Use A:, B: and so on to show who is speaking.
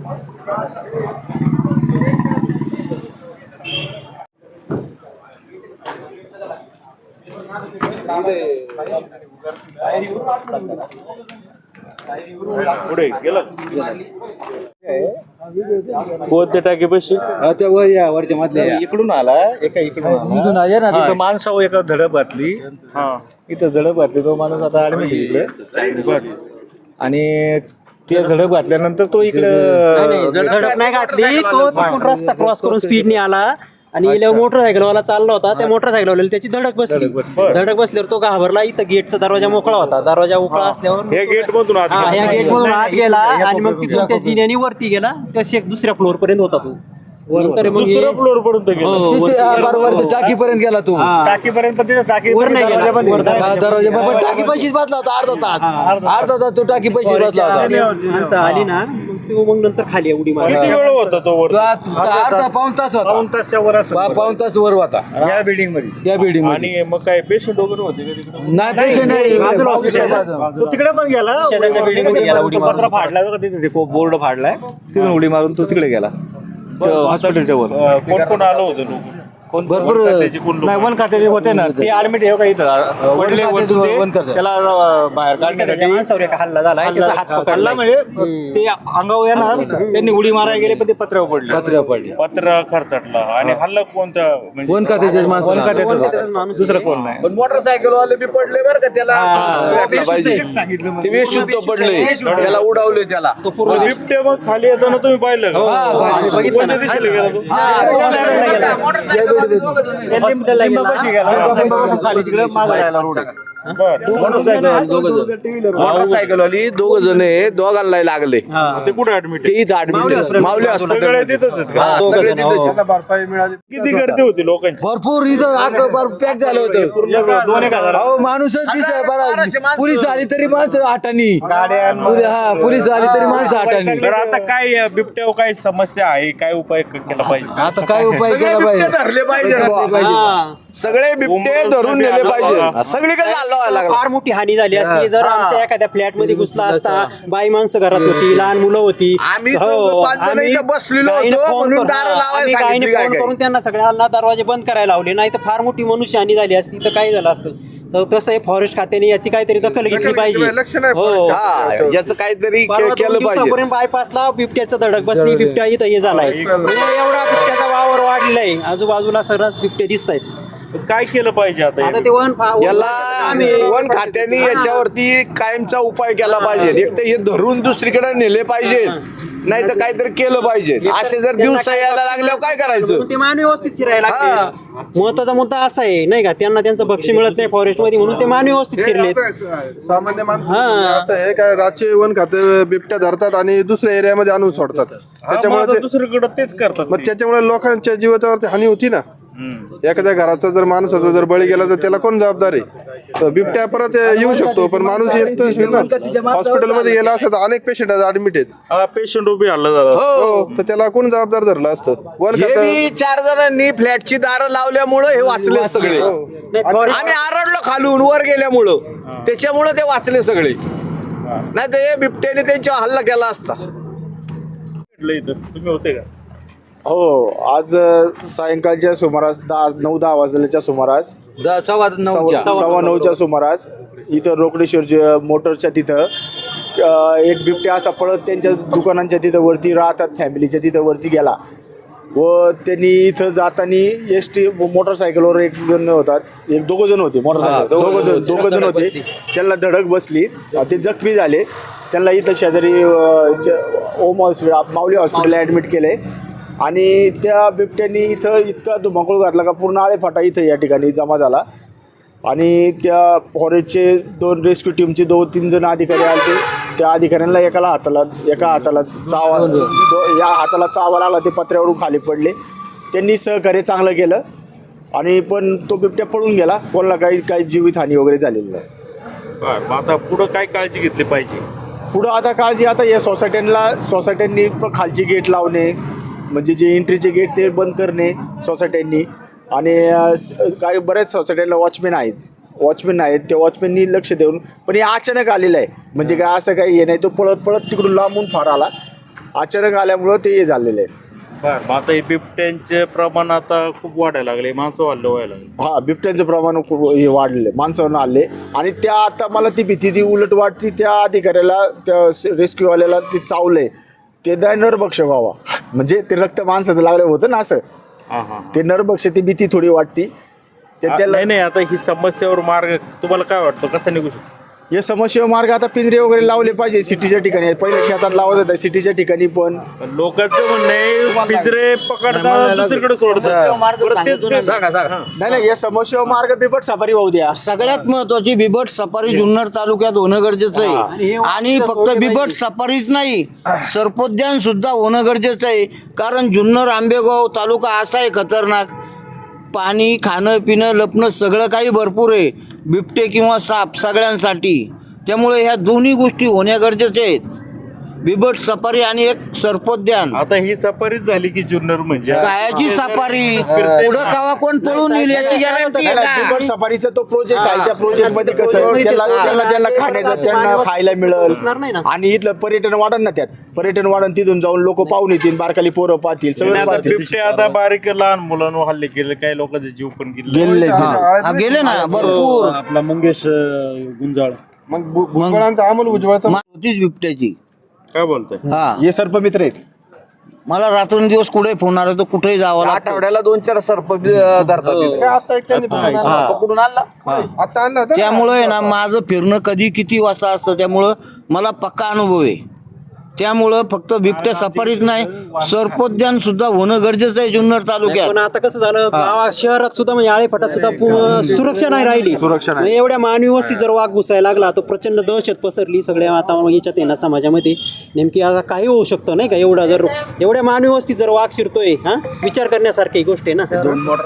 A: पुढे गेलं कोणते टाके पैसे
B: त्या वर या वरच्या मधल्या
C: इकडून आला एका इकडून आला माणसावर एका धडक घातली इथं धडक घातली तो माणूस आता ऍडमिट इकडे आणि ते धडक घातल्यानंतर तो इकडे
D: धडक नाही घातली तो रस्ता क्रॉस करून स्पीडने आला आणि मोटरसायकलवाला चालला होता त्या मोटरसायकलवाल्याला त्याची धडक बसल्यावर तो घाबरला. इथं गेटचा दरवाजा मोकळा होता. दरवाजा मोकळा असल्यावर
A: या गेट मधून
D: आत गेला आणि मग तिथून त्या जिन्याने वरती गेला. त्या दुसऱ्या फ्लोअर पर्यंत होता तो.
A: दुसऱ्या फ्लोअर पर्यंत
B: बरोबर टाकीपर्यंत गेला तू.
C: टाकीपर्यंत पण तिथं टाकी
B: दरवाजा टाकी पैसेच बसला होता. अर्धा तास तो टाकी पैसे बसला होता.
D: आली ना मग नंतर खाली उडी मारली.
A: किती वेळ होता तो वर?
B: अर्धा पाऊण तास होता. पाऊण तास वर होता
C: या बिल्डिंग मध्ये.
B: त्या बिल्डिंग मध्ये.
A: आणि मग काय पेशंट वगैरे होते का तिकडे?
B: नाही पेशंट नाही.
C: तो तिकडे पण गेला.
D: शेजारच्या बिल्डिंग मध्ये गेला उडी
C: पत्रा फाडला बघा तिथे बोर्ड फाडलाय तिथून उडी मारून तो तिकडे गेला हॉस्पिटलच्या वर.
A: कोण कोण आलं होतं लोक?
B: भरपूर
C: नाही वन खात्याचे होते ना ते ऍडमिट आहे का इथं पडले वरतून ते त्याला बाहेर काढण्यासाठी
D: हल्ला झाला त्याचा हात
C: हल्ला म्हणजे ते अंगावर येणार त्यांनी उडी मारायला गेले पण ते पत्र्यावर पडले.
A: पत्र खर्चटला आणि हल्ला कोणता म्हणजे
B: वन खात्याचे
C: वन खात्याचं दुसरं कोण नाही.
E: पण मोटरसायकल वाले बी पडले बरं का त्याला
C: सांगितलं
E: ते बेशुद्ध पडले त्याला उडावले त्याला
D: तो पूर्ण
A: बिबट्या मग खाली येताना तुम्ही पाहिलं का?
D: बघितलं ना.
A: कोणत्या दिशेला गेला तो?
C: लिंबापाशी गेला खाली तिकडे मागं जायला रोड
E: मोटरसायकल वाली दोघ जण दोघांना लागले.
A: ते कुठे ऍडमिट?
E: ते इथं ऍडमिट माऊली
A: सगळे
E: हॉस्पिटल
A: तिथंच आहेत का? किती गर्दी होती लोकांची?
B: भरपूर इथं पॅक झालं होतं.
C: 2,000
B: अहो माणूसच दिसाय बरं. पोलीस आली तरी माणसं आठानी. पोलीस आली तरी माणसं आठानी.
A: तर आता काय बिबट्यावर काय समस्या आहे? काय उपाय केला पाहिजे?
B: आता काय उपाय केला पाहिजे?
E: धरले पाहिजे. सगळे बिबटे धरून नेले पाहिजे. सगळीकडे
D: फार मोठी हानी झाली असती जर आमच्या एखाद्या फ्लॅट मध्ये घुसला असता. बाई माणसं घरात होती, लहान मुलं होती.
E: आम्ही बसलेलो होतो म्हणून दार लावायला
D: फोन करून त्यांना सगळ्यांना दरवाजे बंद करायला लावले. नाही तर फार मोठी मनुष्य हानी झाली असती तर काय झालं असतं. तर तसं फॉरेस्ट खात्याने याची काहीतरी दखल घेतली पाहिजे.
E: याचं काहीतरी केलं पाहिजे.
D: बायपासला बिबट्याचं धडक बसली. बिबट्या इथं हे झालाय एवढा बिबट्याचा वावर वाढलाय. आजूबाजूला सर्रास बिबटे दिसत आहेत.
A: काय केलं पाहिजे आता?
D: ते
E: याला वन खात्याने याच्यावरती कायमचा उपाय केला पाहिजे. एक तर हे धरून दुसरीकडे नेले पाहिजे नाही तर काहीतरी केलं पाहिजे. असे जर दिवसा यायला लागल्यावर काय करायचं?
D: ते मान व्यवस्थित शिरायला लागते. महत्वाचा मुद्दा असा आहे नाही का त्यांना त्यांचं भक्ष्य मिळत नाही फॉरेस्ट मध्ये म्हणून ते मान व्यवस्थित शिरले.
F: सामान्य माणूस असं आहे काय रातचे वन खाते बिबट्या धरतात आणि दुसऱ्या एरियामध्ये आणून सोडतात. त्याच्यामुळे
A: दुसरीकडे तेच करतात.
F: मग त्याच्यामुळे लोकांच्या जीवाच्यावरती हानी होती ना. एखाद्या घराचा जर माणसाचा जर बळी गेला तर त्याला कोण जबाबदार आहे? बिबट्या परत येऊ शकतो पण माणूस येत ना. हॉस्पिटलमध्ये गेला असं तर अनेक पेशंट ऍडमिट आहेत.
A: पेशंट उभी हल्ला झाला.
F: हो तर त्याला कोण जबाबदार धरलं असतं? वन खातं
E: 4 जणांनी फ्लॅटची दारं लावल्यामुळं हे वाचले सगळे. आम्ही आरडलो खालून वर गेल्यामुळं त्याच्यामुळं ते वाचले सगळे. नाही तर हे बिबट्याने त्यांच्यावर हल्ला केला असता.
A: तुम्ही होते का?
G: हो आज सायंकाळच्या सुमारास 9-10 वाजल्याच्या सुमारास 9:15च्या सुमारास इथं रोकडेश्वरच्या मोटरच्या तिथं एक बिबट्या असा पळत त्यांच्या दुकानांच्या तिथं वरती राहतात फॅमिलीच्या तिथं वरती गेला व त्यांनी इथं जाताना एसटी मोटरसायकलवर एक जण होतात. दोघं जण होते मोटरसायकल दोघं जण होते. त्यांना धडक बसली. ते जखमी झाले. त्यांना इथं शेजारी ओम हॉस्पिटल माऊली हॉस्पिटलला ॲडमिट केले आणि त्या बिबट्यांनी इथं इतका धुमाकूळ घातला का पूर्ण आळेफाटा इथं या ठिकाणी जमा झाला. आणि त्या फॉरेस्टचे 2 रेस्क्यू टीमचे 2-3 जण अधिकारी आले. त्या अधिकाऱ्यांना एका हाताला चावा या हाताला चावा लागला. ते पत्र्यावरून खाली पडले. त्यांनी सहकार्य चांगलं केलं आणि पण तो बिबट्या पळून गेला. कोणाला काही जीवितहानी वगैरे झालेली नाही.
A: आता पुढं काय काळजी घेतली पाहिजे?
G: पुढं आता काळजी आता या सोसायट्यांनी खालची गेट लावणे म्हणजे जे एंट्रीचे गेट ते बंद करणे सोसायट्यांनी. आणि काही बऱ्याच सोसायट्यांना वॉचमॅन आहेत त्या वॉचमॅननी लक्ष देऊन. पण हे अचानक आलेलं आहे म्हणजे काय असं काही हे नाही. तो पळत तिकडून लांबून फार आला अचानक आल्यामुळं ते हे झालेलं आहे.
A: बरं मग आता हे बिबट्यांचे प्रमाण आता खूप वाढायला लागले, माणसं व्हायला लागले.
G: हा, बिबट्यांचं प्रमाण खूप हे वाढलेलं माणसावर आले आणि त्या आता मला ती भीती ती उलट वाटती त्या अधिकाऱ्याला त्या रेस्क्यूवाल्याला ती चावलंय ते नरभक्षक व्हावा म्हणजे ते रक्त माणसाचं लागलं होतं ना असं
A: हा हा
G: ते नरभक्षक ती भीती थोडी वाटती ते त्याला
A: नाही नाही, आता ही समस्येवर मार्ग तुम्हाला काय वाटतं कसा निघू शकतो?
G: या समस्येवर मार्ग आता पिंजरे वगैरे लावले पाहिजे सिटीच्या ठिकाणी. पहिले शेतात लावत होता सिटीच्या ठिकाणी पण
A: लोकांचं म्हणणं आहे पिंजरे पकडतात दुसरीकडे सोडतात.
G: नाही नाही या समस्येवर मार्ग बिबट सफारी होऊ द्या.
B: सगळ्यात महत्वाची बिबट सफारी जुन्नर तालुक्यात होणं गरजेचं आहे आणि फक्त बिबट सफारीच नाही सर्पोद्यान सुद्धा होणं गरजेचं आहे. कारण जुन्नर आंबेगाव तालुका असा आहे खतरनाक, पाणी खाणं पिणं लपणं सगळं काही भरपूर आहे, बिबटे किंवा साप सगळ्यांसाठी. त्यामुळे ह्या दोन्ही गोष्टी होण्या गरजेच्या आहेत, बिबट सफारी आणि एक सर्पोद्यान.
A: आता ही सफारीच झाली की जुन्नर म्हणजे
B: कायाची सफारी पुढं कावा कोण पळून येईल याची गॅरंटी आहे का?
G: बिबट सफारीचा तो प्रोजेक्ट आहे त्या प्रोजेक्ट मध्ये कसं आहे, त्यांना खाण्याचं त्यांना खायला मिळेल आणि इथलं पर्यटन वाढन ना, त्यात पर्यटन वाढन, तिथून जाऊन लोक पाहून येतील, बारकाली पोरं पाहतील सगळं
A: आता
G: पाहतील.
A: बिबटे आता बारीक लहान मुलांवर हल्ले केले, काही लोकांचे जीव पण गेले.
G: गेले
B: हा, गेले ना भरपूर.
C: आपला मंगेश गुंजाळ
F: मग भुजबळांचा अमोल भुजबळाचा
B: होतीच बिबट्याची.
A: काय बोलतोय?
B: हा,
G: हे सर्पमित्र आहेत.
B: मला रात्रंदिवस कुठे फोन आला तर कुठेही जावं लागतं.
E: आठवड्याला 2-4 सर्प धरतात.
F: आता एक त्यांनी पकडून आणला आता आणला होता ना?
B: त्यामुळं आहे ना माझं फिरणं कधी किती वाजता असतं, त्यामुळं मला पक्का अनुभव आहे. त्यामुळं फक्त बिबट्या सफारीच नाही सर्पोद्यान सुद्धा होणं गरजेचं आहे जुन्नर तालुक्यात.
D: पण आता कसं झालं गावात शहरात सुद्धा म्हणजे आळेफाटात सुद्धा सुरक्षा नाही राहिली. म्हणजे एवढ्या मानवी वस्तीत जर वाघ घुसायला लागला तो प्रचंड दहशत पसरली सगळ्या आता याच्यात आहे ना समाजामध्ये. नेमकी आता काही होऊ शकतं नाही का, एवढा जर एवढ्या मानवी वस्तीत जर वाघ शिरतोय, हा विचार करण्यासारखी गोष्ट आहे ना.